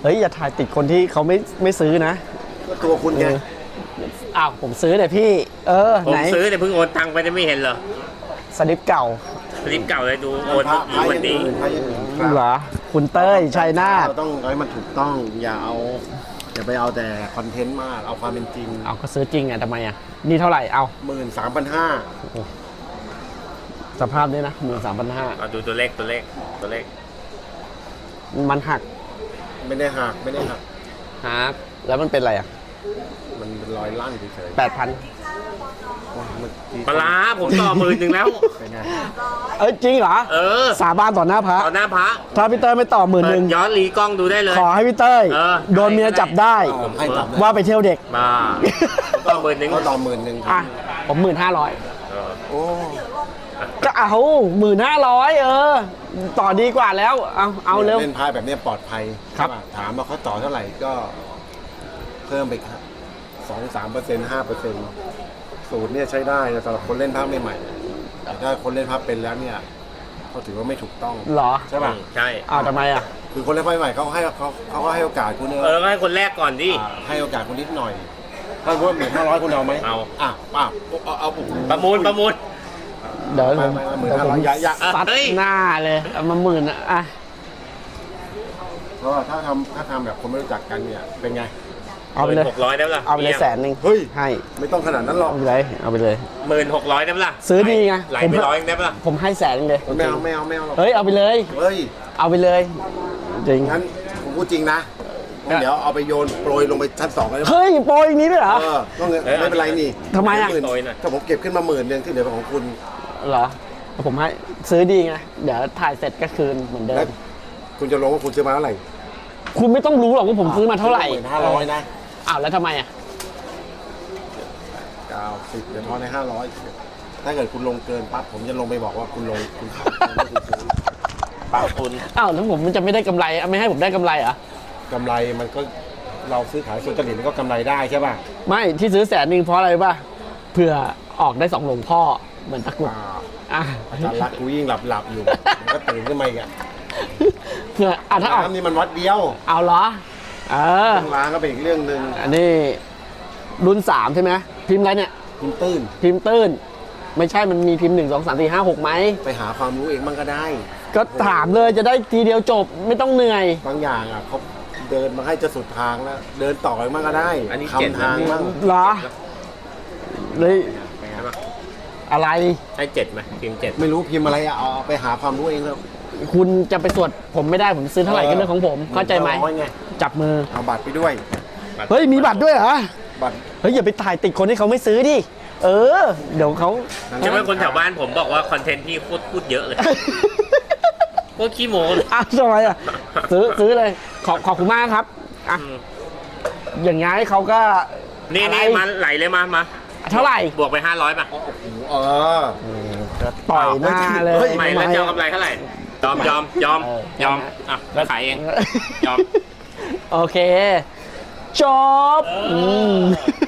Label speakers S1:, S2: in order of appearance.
S1: เฮ้ยอย่าถ่ายติดคนที่เขาไม่ซื้อนะ
S2: ก็ตัวคุณไง
S1: อ้าวผมซื้อแต่พี่
S3: ผม
S1: ไหน
S3: ซื้อแต่เพิ่งโอนตังค์ไปไม่เห็นเหรอ
S1: สลิปเก่า
S3: สลิปเก่าเลยดูโอน
S2: พระ
S3: อยู่วันนี้
S2: พระอย่างอื่นครับ
S1: เหรอคุณเต้ยชัยนาท
S2: เราต้องให้มันถูกต้องอย่าไปเอาแต่คอนเทนต์มากเอาความเป็นจริง
S1: เอาก็ซื้อจริงอ่ะทำไมอ่ะนี่เท่าไหร่เอา
S2: 13,500
S1: สภาพนี้นะ13,500
S3: เอาดูตัวเลขตัวเลข
S1: มันหัก
S2: ไม่ได้หัก
S1: หักแล้วมันเป็นอะไรอ่ะ
S2: มันเป็นรอยลั่นเฉย
S1: 8,000
S2: ๆเมื่อกี้
S3: ปลาร้าผมต่อ10,000แล้ว
S2: เป็นไง
S1: จริงเหรอ สาบานต่อหน้าพระ
S3: ต่อหน้าพระ
S1: ถ้าพี่เต้ยไม่ต่อ10,000
S3: เปิดย้อนรีกล้องดูได้เลย
S1: ขอให้พี่เต้ย โดนเมียจับได้
S2: ให้จับ
S1: ว่าไปเที่ยวเด็ก
S3: มาก็10,000
S2: ก็ต่อ10,000
S1: อ่ะผม15,000
S2: โอ้
S1: ก็เอา15,000ต่อดีกว่าแล้วเอาเร็ว
S2: เล่นพายแบบนี้ปลอดภัย
S1: ครับ
S2: ใช่ปะถามว่าเขาต่อเท่าไหร่ก็เพิ่มไปครับ 2-3% 5%สูตรเนี่ยใช้ได้นะสำหรับคนเล่นภาพใหม่ๆแต่ถ้าคนเล่นภาพเป็นแล้วเนี่ยเขาถือว่าไม่ถูกต้อง
S1: เหรอ
S2: ใช่ป่ะ
S3: ใช่
S1: ทำไมอ่ะ
S2: คือคนเล่นภาพใหม่เขาก็ให้โอกาสคุณ
S3: ก็ให้คนแรกก่อนดิ
S2: ให้โอกาสคุณนิดหน่อยถ้าคุณว่า1,500คุณเอาไหม
S3: เอา
S2: เอา
S3: ประมูล
S1: เดี๋ยว
S2: ไม่ 1,500อย่า
S1: ซัด
S3: เฮ้ย
S1: หน้าเลยเอามา10,000อ่ะ
S2: เพราะว่าถ้าทำแบบคนไม่รู้จักกันเนี่ยเป็นไง
S1: เอาไปเลย
S3: 600ได้ปะล่ะ
S1: เอาไปเลย100,000
S2: เฮ้ย
S1: ให้
S2: ไม่ต้องขนาดนั้นหรอก
S1: เอาไปเลยเอาไปเลย
S3: 1600ได้ปะล่ะ
S1: ซื้อดีไง
S3: ไหลไป100ได้ปะล่ะ
S1: ผมให้100,000เลย
S2: ไม่เอาหรอก
S1: เฮ้ยเอาไปเลย
S2: เฮ้ย
S1: เอาไปเลยจริง
S2: งั้นผมพูดจริงนะงั้นเดี๋ยวเอาไปโยนโปรยลงไปชั้น2เลยนะ
S1: เฮ้ยโปรอย่างนี้ด้วยเหรอ
S2: ก็เงินไม่เป็นไรนี่
S1: ทำไมอะ
S2: 10,000ถ้าผมเก็บขึ้นมา10,000ที่เหลือเป็นของคุณ
S1: เหรอผมให้ซื้อดีไงเดี๋ยวถ่ายเสร็จก็คืนเหมือนเดิ
S2: แล้ว
S1: ม
S2: คุณจะลงว่าคุณซื้อมาเท่าไหร่
S1: คุณไม่ต้องรู้หรอกว่าผมซื้อมาเท่าไหร่
S2: 1,500นะ
S1: อ้าวแล้วทำไมอ่ะ
S2: 90เดี๋ยวทอนใน500ถ้าเกิดคุณลงเกินปั๊บผมจะลงไปบอกว่าคุณลงคุณขายคุณซื้อ
S3: ปากคุณ
S1: อ้าวแล้วผมมันจะไม่ได้กำไรไม่ให้ผมได้กำไรเหรอ่ะ
S2: กำไรมันก็เราซื้อขายสุจริตมันก็กำไรได้ใช่ป่ะ
S1: ไม่ที่ซื้อ100,000เพราะอะไรป่ะเผื่อออกได้2หลวงพ่อเหมือนตะกรุดอ่ะ
S2: อาจารย์รักกูยิ่งหลับอยู่มันก็ตื่นขึ้นมาอีกอะ
S1: เผื่อถ้าออก
S2: น้ำนี่มันวัดเดียว
S1: เอาเหรอ
S2: ต้องล้างก็เป็นอีกเรื่องหนึ่ง
S1: อันนี้รุ่น3ใช่ไหมพิมพ์อะไรเนี่ย
S2: คุณตื้น
S1: พิมพ์ตื้นไม่ใช่มันมีพิมพ์1 2 3 4 5 6ไหม
S2: ไปหาความรู้เองบ้างก็ได้
S1: ก็ถามเลยจะได้ทีเดียวจบไม่ต้องเหนื่อย
S2: บางอย่างอ่ะเขาเดินมาให้จะสุดทางแล้วเดินต่อไปบ้างก็ได้
S3: อันนี้เจ็ด
S2: คำทางบ้าง
S1: เหรอเลย
S3: ใช่ปะ
S1: อะไร
S3: ให้7ไหมพิมพ์7
S2: ไม่รู้พิมพ์อะไรอ่ะเอาไปหาความรู้เองแล้ว
S1: คุณจะไปสวดผมไม่ได้ผมซื้อเท่าไหร่ก็เรื่องของผมเข้าใจไหม
S2: ร้อยไง
S1: จับมือ
S2: เอาบัตรไปด้วย
S1: เฮ้ยมีบัตรด้วยเหรอ
S2: บัตร
S1: เฮ้ยอย่าไปถ่ายติดคนที่เขาไม่ซื้อดิเดี๋ยวเขา
S3: ใช่ไหมคนแถวบ้านผมบอกว่าคอนเทนต์พี่พูดเยอะเลยพวกขี้โม้เลย
S1: อ้าวทำไมอ่ะซื้อเลยขอบคุณมากครับอ่ะอย่างงี้เขาก็
S3: นี่
S1: อะไร
S3: มาไหลเลยมา
S1: เท่าไหร่
S3: บวกไป500ป่ะ
S2: เออ
S1: ต่อยหน้าเลย
S3: ใหม่แล้วจะเอากำไรเท่าไหร่ยอม
S1: เออ
S3: อ่ะแล้วขายเองยอม
S1: โอเคจบ